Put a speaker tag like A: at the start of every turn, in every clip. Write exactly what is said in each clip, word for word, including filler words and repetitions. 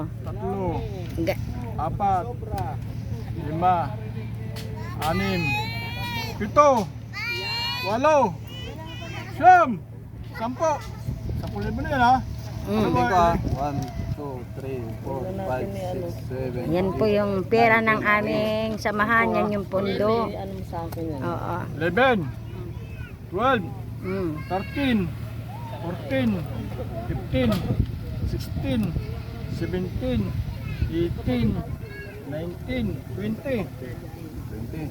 A: tatlo,
B: Ga-
A: apat, lima, anim, pito, walo, siyam, sampo. Sampu libo na yan ha. Ano
B: Mm.
A: ba?
C: Ito ah. one, two, three, four, five, six, seven.
B: Yan po yung pera ng aming samahan. Yan yung pondo.
D: Ano mo sa akin yan?
B: Oo.
A: eleven, twelve,
B: Mm.
A: thirteen, fourteen, fifteen, sixteen, seventeen, eighteen, nineteen, twenty,
C: twenty.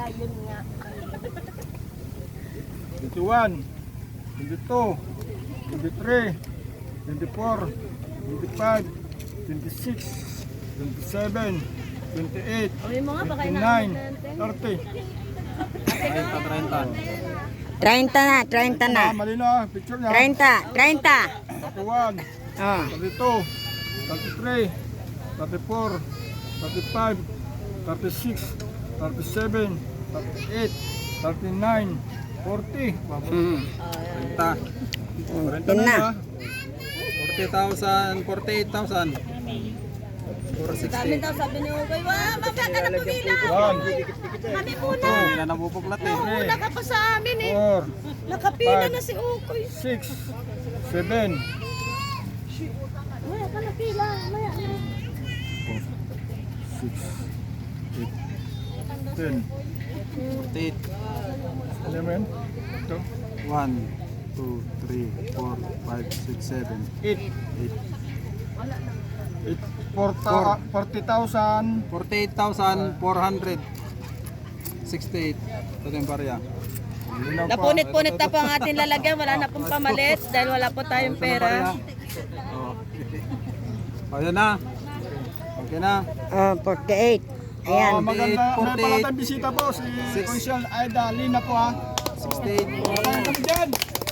A: twenty-one, twenty-two, twenty-three, twenty-four, twenty-five, twenty-six, twenty-seven, twenty-eight,
D: Uwi mo nga, baka
A: twenty-nine,
D: inaabot
A: thirty.
C: Treinta, treinta.
B: treinta na, treinta na.
A: Ah, mali na, picture niya.
B: treinta, treinta.
A: thirty-one,
B: Oh.
A: thirty-two, thirty-three, thirty-four, thirty-five, thirty-six, thirty-seven, thirty-eight, thirty-nine, forty.
B: Mm.
C: Treinta.
A: Renta
B: Yun na.
A: na.
C: Forty thousand, forty-eight thousand. Four
D: Dami
C: sixty.
D: daw sabi ni Ugoy, wah, magka ka na pumila.
A: One,
D: Kami muna.
C: Hindi na nabupuklat eh.
D: Nauna ka pa sa amin eh.
A: four,
D: Nakapila
A: Five.
D: na si Ugoy.
A: six, seven,
D: Maya ka na pila. Maya na.
A: six, eight, ten.
C: Forty-eight.
A: Alam mo yan? Ito.
C: One, two, three, four, five, six, seven,
A: eight.
C: eight.
A: eight, forty thousand.
C: Forty-eight thousand, four hundred. Sixty-eight. Ito yung barya.
D: Napunit-punit na po ang ating lalagyan. Wala na pong pamalit dahil wala po tayong pera.
C: Oh. Oh, yan na. Okay na.
B: Oh, forty-eight. Ayan.
A: Oh, maganda. May
C: forty-eight.
A: pala tayong bisita po. Si
C: Six.
A: Consyal Aida Lina po ha.
C: Sixty-eight.
A: Kaya kami dyan.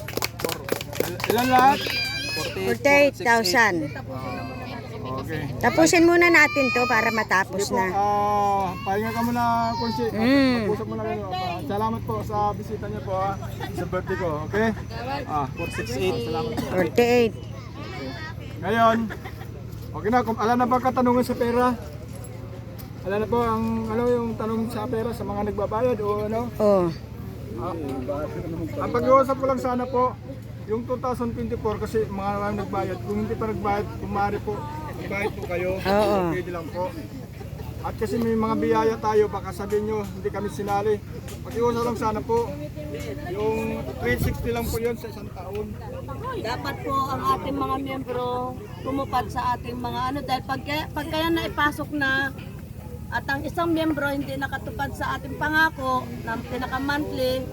A: Ilan lahat?
B: forty-eight thousand.
A: Okay.
B: Tapusin muna natin to para matapos
A: Sige po,
B: na.
A: ah, pahinga ka muna, Consi.
B: Mm.
A: Mag-usap muna kayo. Ah, salamat po sa bisita niyo po ha. Sa birthday ko, okay?
C: Ah, four sixty-eight. Salamat po.
B: forty-eight.
A: Ngayon, okay na, kung alam na ba katanungan sa pera? Alam na po ang ano yung tanong sa pera sa mga nagbabayad o ano?
B: Oh.
A: Ah, ang pag-iusap ko lang sana po, yung two thousand twenty-four kasi mga lang nagbayad, kung hindi pa nagbayad, kung maaari po, ibayad po kayo,
B: Oo.
A: pwede lang po. At kasi may mga biyaya tayo, baka sabihin nyo, hindi kami sinali. Pag-iusap lang sana po, yung three sixty lang po yun sa isang taon.
D: Dapat po ang ating mga miyembro tumupad sa ating mga ano dahil pag, pag kaya na ipasok na at ang isang miyembro hindi nakatupad sa ating pangako na pinaka-monthly,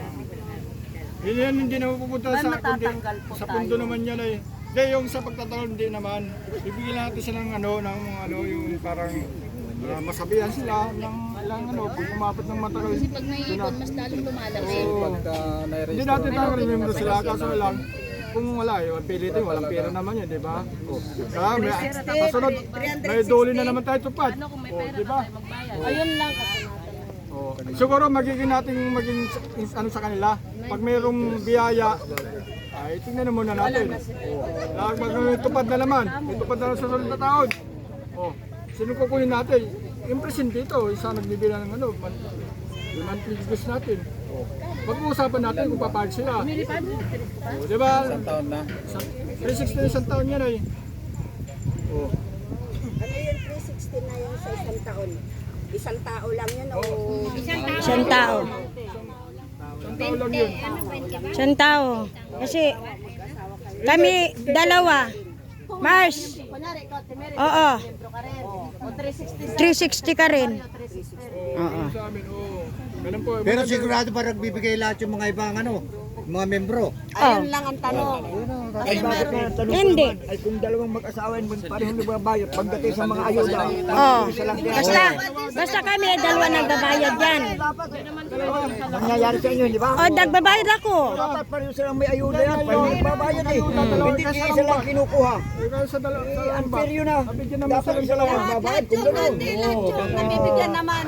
A: Hindi yan hindi na pupunta
D: Ay,
A: sa kundi,
D: matatanggal po
A: sa pundo
D: tayo.
A: naman yan ay. Hindi, yung sa pagtatanong hindi naman. Bibigyan natin sila ng ano, ng mga ano, yung parang ah, masabihan sila ng ilang ano, kung umabot ng matagal. Kasi pag may ipon, mas lalong lumalaki.
C: Pagka
A: Hindi
C: nai-register.
A: natin tayo rin sila, kaso lang, kung wala, yung pilitin, walang pera naman yan, di ba? Oh. Kaya may, kasunod, may doli na naman tayo tupad. Oh, di ba?
D: ayun lang kasi natin.
A: Oh. Siguro magiging natin maging s- ano sa kanila. Pag mayroong biyaya, ay tingnan na muna natin. Oh. Pag mag- tupad na naman, may tupad na sa susunod na taon. Oh. Sino kukunin natin? Yung presidente dito, isa nagbibigay ng ano, man, yung monthly dues natin. Oh. Pag-uusapan natin kung papayag sila. Oh, di ba?
C: Isang taon na.
A: three sixty na isang taon yan ay. Oh.
E: Ano yung three sixty na yung sa isang taon? Isang tao lang yun o
B: Isang tao.
A: Isang taon lang yun.
B: Isang tao. Kasi kami dalawa. Mars.
D: Kunyari, ikaw, Timeri,
B: Oo.
D: miyembro ka rin. O three sixty sa
B: three sixty ka rin.
D: three sixty.
B: Oo.
A: Sa amin, oh. Ganun po.
F: Pero sigurado ba nagbibigay lahat yung mga ibang ano, mga membro?
D: Ayun lang ang tanong.
F: Ay, bakit na tanong ko
B: Hindi.
F: naman, ay kung dalawang mag-asawa yun, parehong nagbabayad pagdating sa mga ayuda.
B: Oh. Basta, basta kami dalawa nagbabayad yan.
F: Nangyayari sa inyo, di ba?
B: O, nagbabayad ako.
F: Dapat pareho silang may ayuda yan, parehong nagbabayad eh. Hindi isa lang kinukuha.
A: Ikaw sa dalawa, sa dalawa ba?
F: Unfair yun ah.
A: Abigyan naman
F: Dapat isa lang magbabayad kung gano'n.
D: Hindi lang yung nabibigyan naman.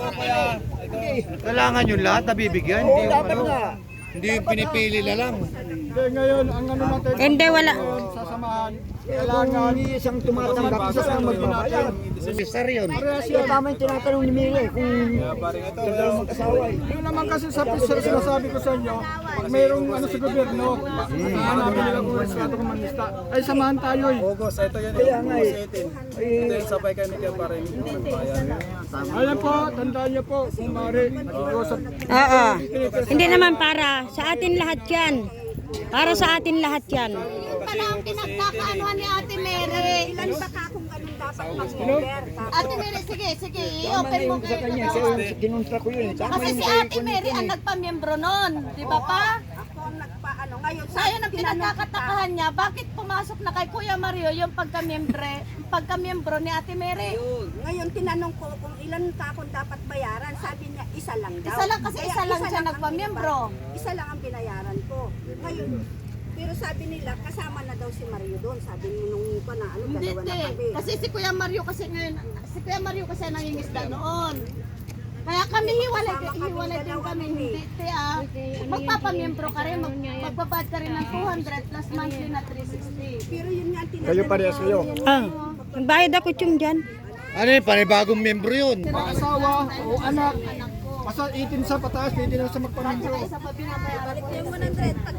G: Kailangan yung lahat nabibigyan,
F: Oo,
G: hindi yung
F: dapat
G: ano,
F: nga.
G: hindi yung pinipili na lang.
A: Hindi, ngayon, ang ano natin,
B: Hindi, wala.
A: sa samahan, kailangan
F: Kung isang tumatanggap, isa lang magbabayad.
C: Sir yun.
A: parehas
F: Kaya
A: yan.
F: tama yung tinatanong ni Mire kung sa dalawang mag-asawa eh.
A: Yun naman kasi sa pisar sinasabi ko sa inyo, pag mayroong ano sa gobyerno, hanapin nila kung respeto kung manista. Ay samahan tayo eh.
C: August, ito yan.
F: Kaya nga eh.
C: Ito yung sabay kami kaya para yung bayan.
A: Ayan po, tandaan niyo po, kung maaari, nag-iusap.
B: Oo. Hindi naman para. Sa atin lahat yan. Para sa atin lahat yan.
D: Pala ang pinagkakaanuhan ni Ate Mary.
E: Ilan ba ka kung ganun dapat mag-order?
D: Ate Mary, sige, sige, i-open mo
F: Sa
D: kayo.
F: kanya, siya yung kinontra ko yun. Tama
D: Kasi
F: yung
D: si Ate Mary ang nagpamiyembro nun, di ba pa?
E: Ako ang nagpaano. Ngayon,
D: So ayun ang pinagkakatakahan niya, bakit pumasok na kay Kuya Mario yung pagkamiyembro, pagkamiyembro ni Ate Mary?
E: Ngayon, tinanong ko kung ilan ka kung dapat bayaran. Sabi niya, isa lang daw.
D: Isa lang kasi
E: Kaya
D: isa lang siya
E: ang
D: nagpamiyembro.
E: binabayad. Isa lang ang binayaran ko. Ngayon, pero sabi nila, kasama na daw si Mario doon. Sabi mo nung pa na, ano,
D: Hindi,
E: dalawa na
D: hindi.
E: kami.
D: Kasi si Kuya Mario kasi ngayon, si Kuya Mario kasi nangingisda noon. Kaya kami hiwalay, hiwalay din kami. Hindi, te, ah. Magpapamiyembro ka rin, mag, magbabad ka rin ng two hundred plus monthly na three sixty.
E: Pero yun nga ang tinanong
A: Kayo parehas kayo.
B: Ah, bayad ako yung dyan.
C: Ano yun, panibagong membro yun.
A: Mga asawa o anak, basta eighteen sa pataas, pwede na sa magpamilyo.
D: Isa pa binabayaran ko.
E: yung one hundred. Pag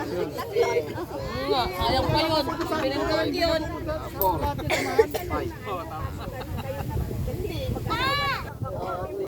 D: Ayaw pa yun. Pinagkawag yun.
A: Lahat yun naman.